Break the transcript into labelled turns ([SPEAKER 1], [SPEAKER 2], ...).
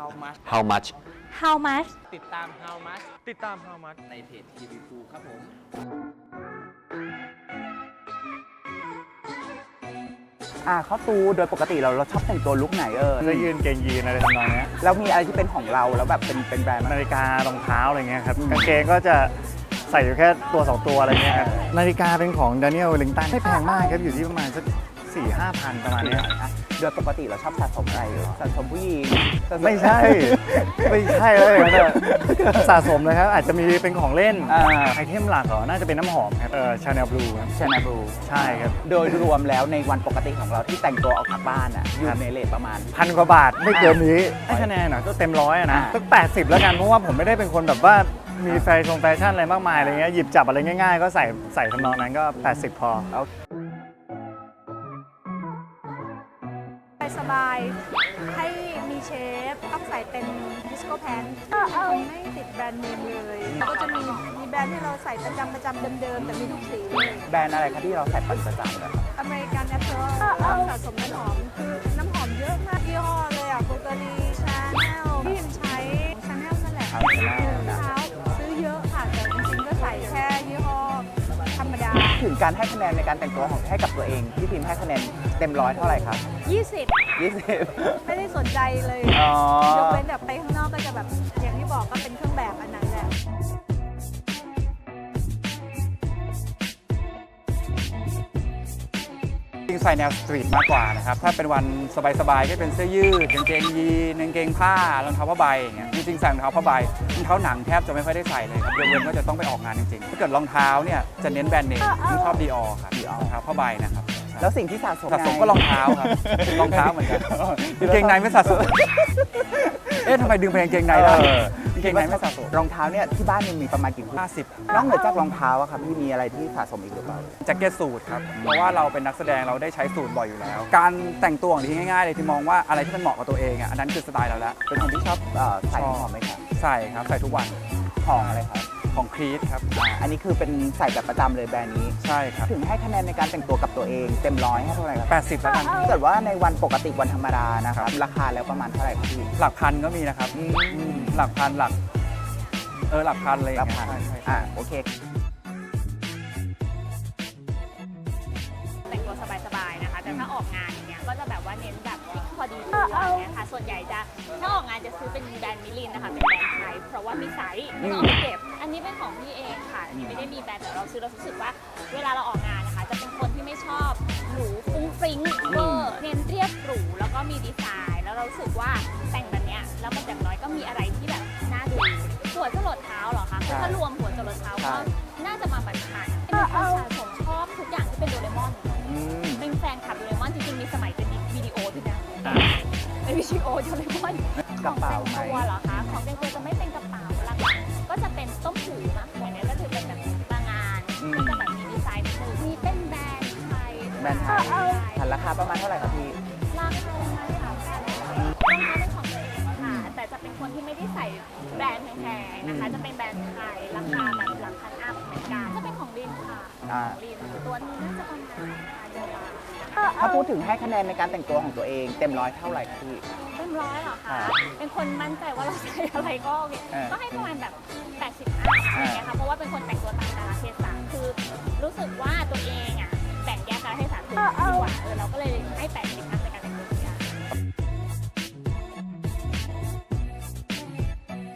[SPEAKER 1] How much
[SPEAKER 2] How much
[SPEAKER 3] How much
[SPEAKER 1] ติดตาม How much
[SPEAKER 4] ติดตาม How much
[SPEAKER 1] ในเพจ TV2 ครับผม
[SPEAKER 5] เข้าตูโดยปกติเราชอบแต่งตัวลุคไหน
[SPEAKER 4] เสื้อยืนเกงยีนอะไรทำนองนี้
[SPEAKER 5] แล้วมีอะไรที่เป็นของเราแล้วแบบเป็นแบรนด์ไหม
[SPEAKER 4] นาฬิการองเท้าอะไรเงี้ยครับกางเกงก็จะใส่อยู่แค่ตัว 2 ตัวอะไรเงี้ยครับนาฬิกาเป็นของ Daniel Wellington ไม่แพงมากครับอยู่ที่ประมาณสัก 4-5 พันประมาณเนี้ย
[SPEAKER 5] โดยปกติเราชอบสะสมอะไรสะสมผู้หญิงสะส
[SPEAKER 4] ไม่ใช่ ไม่ใช่เลยนะสะสมเลยครับอาจจะมีเป็นของเล่นไอเทมหลักเหรอน่าจะเป็นน้ำหอมครับChanel Blue ครับ
[SPEAKER 5] Chanel Blue
[SPEAKER 4] ใช่ครับ
[SPEAKER 5] โดยรวมแล้วในวันปกติของเราที่แต่งตัวออกจากบ้านอยู่ในเรทประมาณ
[SPEAKER 4] 1,000 กว่าบาทไม่เกินนี้ให้คะแนนก็เต็มร้อยนะสัก80 แล้วกันเพราะว่าผมไม่ได้เป็นคนแบบว่ามีแฟชั่นอะไรมากมายอะไรเงี้ยหยิบจับอะไรง่ายๆ ก็ใส่ทำนองนั้นก็ 80 พอ
[SPEAKER 3] สบายให้มีเชฟต้องใส่เป็นดิสโก้แพนไม่ติดแบรนด์เนมเลยแล้วก็จะมีแบรนด์ที่เราใส่ประจำเดิมๆแต่มีทุกสีเลย
[SPEAKER 5] แบรนด์อะไรคะที่เราใส่ประจำแบบ
[SPEAKER 3] อเมริกันแนเชอรัลสะสมน้ำหอมคือน้ำหอมเยอะมากยี่ห้อเลยอ่ะบูเกอรี่ชาแนลที่พิมใช้ชาแนลนั่นแหละเท้าซื้อเยอะค่ะแต่จริงๆก็ใส่แค่ยี่ห้อธรรมดา
[SPEAKER 5] ถึงการให้คะแนนในการแต่งตัวของให้กับตัวเองพี่พิมพ์ให้คะแนนเต็มร้อยเท่าไหร่ครับ
[SPEAKER 3] 20 ไม่ได้สนใจเลยยกเว้นแบบไปข้างนอกก็จะแบบอย่างที่บอกก็เป็นเครื่องแบบอันนั้นแหละ
[SPEAKER 1] จริงใส่แนวสตรีทมากกว่านะครับถ้าเป็นวันสบายๆก็เป็นเสื้อยืดกางเกงยีนกางเกงผ้ารองเท้าผ้าใบอย่างเงี้ยจริงๆใส่รองเท้าผ้าใบรองเท้าหนังแทบจะไม่ค่อยได้ใส่เลยครับยกเว้นว่าจะต้องไปออกงานจริงๆถ้าเกิดรองเท้าเนี่ยจะเน้นแบรนด์เนมที่ชอบ Dior ครับ Dior รองเท้าผ้าใบนะครับ
[SPEAKER 5] แล้วสิ่งที่สะสม
[SPEAKER 1] ก็รองเท้าครับรองเท้าเหมือนกันกางเกงในไม่สะสมทำไมดึงไปกางเกงในได้กางเกงในไม่สะสม
[SPEAKER 5] รองเท้าเนี่ยที่บ้านมีประมาณกี่คู่
[SPEAKER 1] 50
[SPEAKER 5] นอกเหนือจากรองเท้าอะครับพี่มีอะไรที่สะสมอีกหรือเปล่า
[SPEAKER 1] แจ็คเก็ตสูทครับเพราะว่าเราเป็นนักแสดงเราได้ใช้สูทบ่อยอยู่แล้ว การแต่งตัวของที่ง่ายๆเลยที่มองว่าอะไรที่มันเหมาะกับตัวเองอันนั้นคือสไตล์เราแล้ว
[SPEAKER 5] เป็นคนที่ชอบใส่หอมไหมครับ
[SPEAKER 1] ใส่ครับใส่ทุกวัน
[SPEAKER 5] ของอะไรครับ
[SPEAKER 1] ของครีสครับ
[SPEAKER 5] อันนี้คือเป็นใส่แบบประจำเลยแบรนด์นี้
[SPEAKER 1] ใช่ครับ
[SPEAKER 5] ถึงให้คะแนนในการแต่งตัวกับตัวเองเต็มร้อยให้เท่าไหร่ครับ
[SPEAKER 1] 80แล้วกัน
[SPEAKER 5] ถ้าเกิดว่าในวันปกติวันธรรมดานะครับราคาแล้วประมาณเท่าไหร่ครับพี่
[SPEAKER 1] หลักพันก็มีนะครับหลักพันหลักพันเลย
[SPEAKER 5] รับผ่าน
[SPEAKER 1] ใช่
[SPEAKER 5] โอเค
[SPEAKER 6] แต่งตัวสบายๆนะคะแต่ถ้าออกงานอย่างเงี้ยก็จะแบบว่าเน้นแบบฟิกพอดีตัวอย่างเงี้ยค่ะส่วนใหญ่จะถ้าออกงานจะซื้อเป็นแบรนด์มิลินนะคะเป็นแบรนด์ไทยเพราะว่ามีไซส์แล้วก็เอาไปเก็บอันนี้เป็นของพี่เองค่ะอันนี้ไม่ได้มีแบรนด์แต่เราซื้อเรารู้สึกว่าเวลาเราออกงานนะคะจะเป็นคนที่ไม่ชอบหรูฟุ้งฟริ้งเวอร์เน้นเรียบหรูแล้วก็มีดีไซน์แล้วเรารู้สึกว่าแต่งแบบเนี้ยแล้วมันอย่างน้อยก็มีอะไรที่แบบน่าดูหัวจรดเท้าเหรอคะคือถ้ารวมหัวจรดเท้าก็น่าจะมาพันเป็นคนสะสมชอบทุกอย่างที่เป็นโดเรมอนเป็นแฟนคลับโดเรมอนจริงๆมีสมัยเป็นวิดีโอด้วยนะเป็นวิดีโอโดเรมอน
[SPEAKER 5] กระเป๋า
[SPEAKER 6] ของแต่งตัวเหรอคะของแต่งตัวจะไม่เป็นกระเป๋าหลักๆก็จะเป็นต้มหูมากกว่านี้ก็คือเป็นแบบบางงานก็จะแบบมีดีไซน์นิดนึงมีเป็นแบรนด์ไทย
[SPEAKER 5] แบรนด์ไทยราคาประมาณเท่าไหร่ครับพี่
[SPEAKER 6] ราคาประมาณ3,000รองเท้าเป็นของตัวเองค่ะแต่จะเป็นคนที่ไม่ได้ใส่แบรนด์แพงๆนะคะจะเป็นแบรนด์ไทยราคาแบบหลักพันอัพเหมือนกันจะเป็นของลินค่ะของลินตัวนี้น่าจะประมาณ2,000 บาท
[SPEAKER 5] ถ้าพูดถึงให้คะแนนในการแต่งตัวของตัวเองเต็มร้อยเท่าไหร่ครับพี่
[SPEAKER 6] เต็มร้อยเหรอคะ เป็นคนมั่นใจว่าเราใส่อะไรก็โอเคก็ให้ประมาณแบบ80อัพอะไรเงี้ยค่ะ เพราะว่าเป็นคนแต่งตัวตามกาลเทศะคือรู้สึกว่าตัวเองอ่ะแบ่งแยกกาลเทศะถูกดีกว่าเราก็เลยให้80อัพใน